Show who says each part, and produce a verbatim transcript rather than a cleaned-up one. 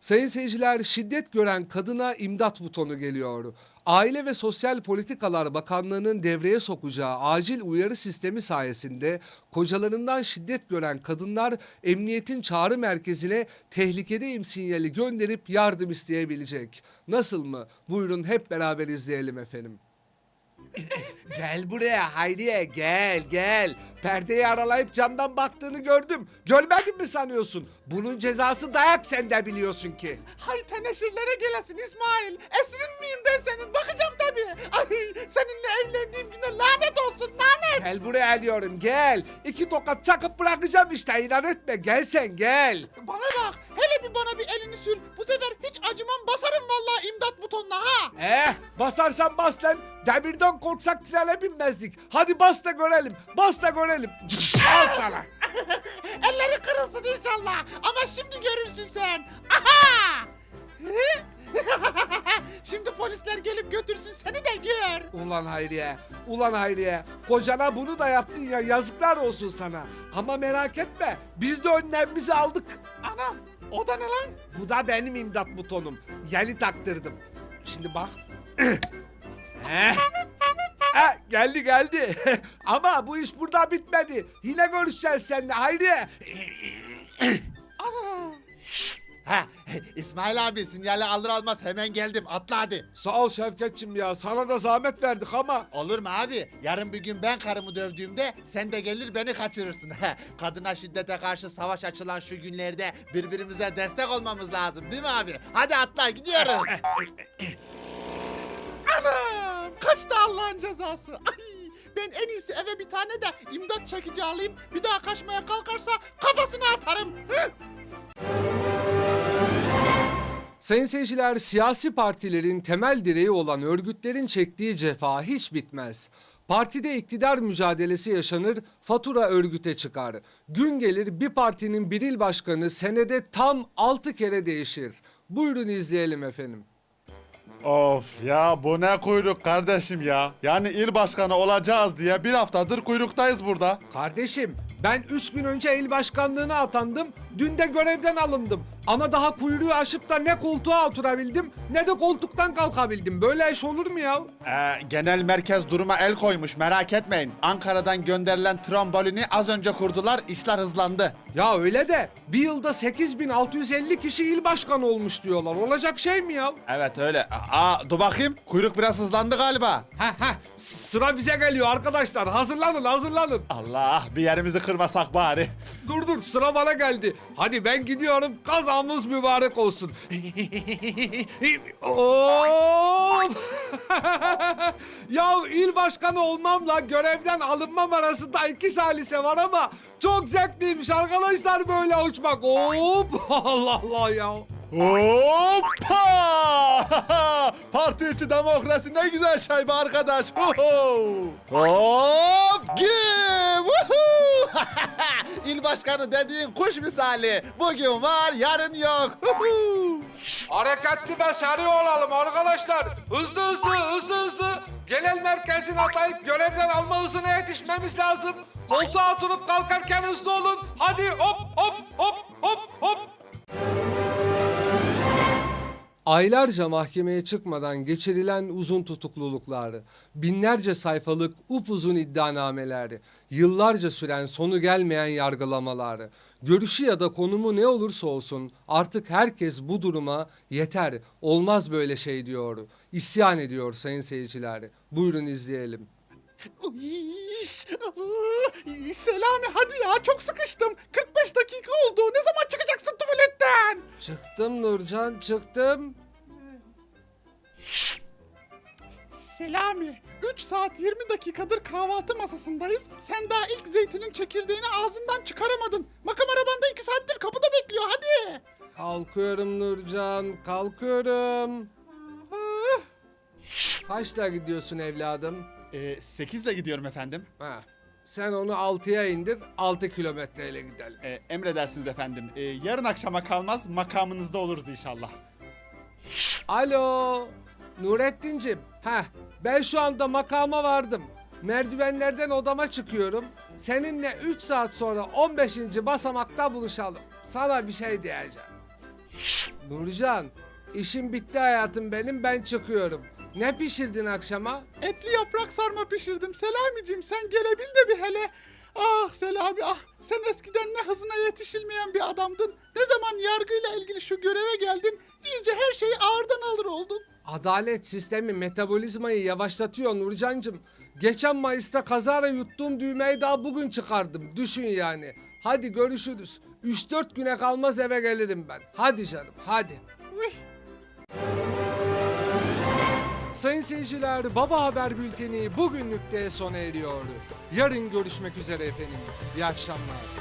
Speaker 1: Sayın seyirciler, şiddet gören kadına imdat butonu geliyor. Aile ve Sosyal Politikalar Bakanlığı'nın devreye sokacağı acil uyarı sistemi sayesinde kocalarından şiddet gören kadınlar emniyetin çağrı merkezine tehlikedeyim sinyali gönderip yardım isteyebilecek. Nasıl mı? Buyurun hep beraber izleyelim efendim.
Speaker 2: Gel buraya Hayriye, gel gel. Perdeyi aralayıp camdan baktığını gördüm. Görmedin mi sanıyorsun? Bunun cezası dayak, sen de biliyorsun ki.
Speaker 3: Hay teneşirlere gelesin İsmail. Esirin miyim ben senin? Bakacağım tabii. Ay seninle evlendiğim güne lanet olsun lanet.
Speaker 2: Gel buraya diyorum, gel. İki tokat çakıp bırakacağım işte, inan etme. Gel sen, gel.
Speaker 3: Bana bak, hele bir bana bir elini sür. Bu sefer hiç acımam, basarım vallahi imdat butonuna ha.
Speaker 2: Eh, basarsan bas lan. Demirden korksak trene binmezdik. Hadi bas da görelim, bas da görelim. Al sana.
Speaker 3: Elleri kırılsın inşallah. Ama şimdi görürsün sen. Aha! Şimdi polisler gelip götürsün seni de gör.
Speaker 2: Ulan Hayriye, ulan Hayriye. Kocana bunu da yaptın ya, yazıklar olsun sana. Ama merak etme, biz de önlemimizi aldık.
Speaker 3: Anam, o da ne lan?
Speaker 2: Bu da benim imdat butonum. Yeni taktırdım. Şimdi bak. Heh. Ha, geldi geldi. Ama bu iş burada bitmedi. Yine görüşeceğiz seninle Hayriye.
Speaker 3: Ana!
Speaker 4: Ha, İsmail abi sinyali alır almaz hemen geldim. Atla hadi.
Speaker 2: Sağ ol Şevketçim ya. Sana da zahmet verdik ama.
Speaker 4: Olur mu abi? Yarın bir gün ben karımı dövdüğümde sen de gelir beni kaçırırsın. Kadına şiddete karşı savaş açılan şu günlerde birbirimize destek olmamız lazım değil mi abi? Hadi atla gidiyoruz.
Speaker 3: Anam! Kaçtı Allah'ın cezası. Ay! Ben en iyisi eve bir tane de imdat çekici alayım. Bir daha kaçmaya kalkarsa kafasına atarım. Hı!
Speaker 1: Sayın seyirciler, siyasi partilerin temel direği olan örgütlerin çektiği cefa hiç bitmez. Partide iktidar mücadelesi yaşanır, fatura örgüte çıkar. Gün gelir bir partinin bir il başkanı senede tam altı kere değişir. Buyurun izleyelim efendim.
Speaker 5: Of ya, bu ne kuyruk kardeşim ya. Yani il başkanı olacağız diye bir haftadır kuyruktayız burada.
Speaker 2: Kardeşim, ben üç gün önce il başkanlığına atandım. Dün de görevden alındım. Ama daha kuyruğu aşıp da ne koltuğa oturabildim ne de koltuktan kalkabildim. Böyle iş olur mu ya?
Speaker 5: Ee, genel merkez duruma el koymuş, merak etmeyin. Ankara'dan gönderilen trambolini az önce kurdular, işler hızlandı.
Speaker 2: Ya öyle de bir yılda sekiz bin altı yüz elli kişi il başkanı olmuş diyorlar. Olacak şey mi ya?
Speaker 5: Evet öyle. Aa, dur bakayım, kuyruk biraz hızlandı galiba.
Speaker 2: Heh heh, sıra bize geliyor arkadaşlar. Hazırlanın hazırlanın.
Speaker 5: Allah, bir yerimizi kırmasak bari.
Speaker 2: Dur dur, sıra bana geldi. Hadi ben gidiyorum, kazamız mübarek olsun. Hop! Ya il başkanı olmamla görevden alınmam arasında iki salise var ama çok zevkliymiş arkadaşlar böyle uçmak. Hop! Allah Allah ya.
Speaker 5: Hoppa! Parti içi demokrasi ne güzel şey be arkadaş. Huhu! Hop! Gim! Vuhu! İl başkanı dediğin kuş misali. Bugün var, yarın yok. Huhu!
Speaker 2: Hareketli ve seri olalım arkadaşlar. Hızlı hızlı hızlı hızlı. Genel merkezin atayıp görevden alma hızına yetişmemiz lazım. Koltuğa oturup kalkarken hızlı olun. Hadi hop hop hop hop hop.
Speaker 1: Aylarca mahkemeye çıkmadan geçirilen uzun tutukluluklar, binlerce sayfalık upuzun iddianameler, yıllarca süren sonu gelmeyen yargılamalar, görüşü ya da konumu ne olursa olsun artık herkes bu duruma yeter, olmaz böyle şey diyor, isyan ediyor sayın seyirciler. Buyurun izleyelim.
Speaker 3: İş, ıı, Selami hadi ya çok sıkıştım. kırk beş dakika oldu. Ne zaman çıkacaksın tuvaletten?
Speaker 1: Çıktım Nurcan, çıktım.
Speaker 3: Selami, üç saat yirmi dakikadır kahvaltı masasındayız. Sen daha ilk zeytinin çekirdeğini ağzından çıkaramadın. Makam arabanda iki saattir kapıda bekliyor hadi.
Speaker 1: Kalkıyorum Nurcan, kalkıyorum.
Speaker 3: Ah,
Speaker 1: Kaçla gidiyorsun evladım?
Speaker 5: Ee, sekizle gidiyorum efendim.
Speaker 1: Ha, sen onu altıya indir, altı kilometreyle gidelim.
Speaker 5: Ee, emredersiniz efendim. Ee, yarın akşama kalmaz, makamınızda oluruz inşallah.
Speaker 1: Alo, Nurettinciğim. Heh, ben şu anda makama vardım. Merdivenlerden odama çıkıyorum. Seninle üç saat sonra on beşinci basamakta buluşalım. Sana bir şey diyeceğim. Nurcan, işim bitti hayatım benim, ben çıkıyorum. Ne pişirdin akşama?
Speaker 3: Etli yaprak sarma pişirdim. Selamicim sen gelebil de bir hele. Ah Selami ah, sen eskiden ne hızına yetişilmeyen bir adamdın. Ne zaman yargıyla ilgili şu göreve geldin, iyice her şeyi ağırdan alır oldun.
Speaker 1: Adalet sistemi metabolizmayı yavaşlatıyor Nurcancığım. Geçen Mayıs'ta kazara yuttuğum düğmeyi daha bugün çıkardım. Düşün yani. Hadi görüşürüz. üç dört güne kalmaz eve gelirim ben. Hadi canım, hadi.
Speaker 3: Üş.
Speaker 1: Sayın seyirciler, Baba Haber Bülteni bugünlük de sona eriyor. Yarın görüşmek üzere efendim. İyi akşamlar.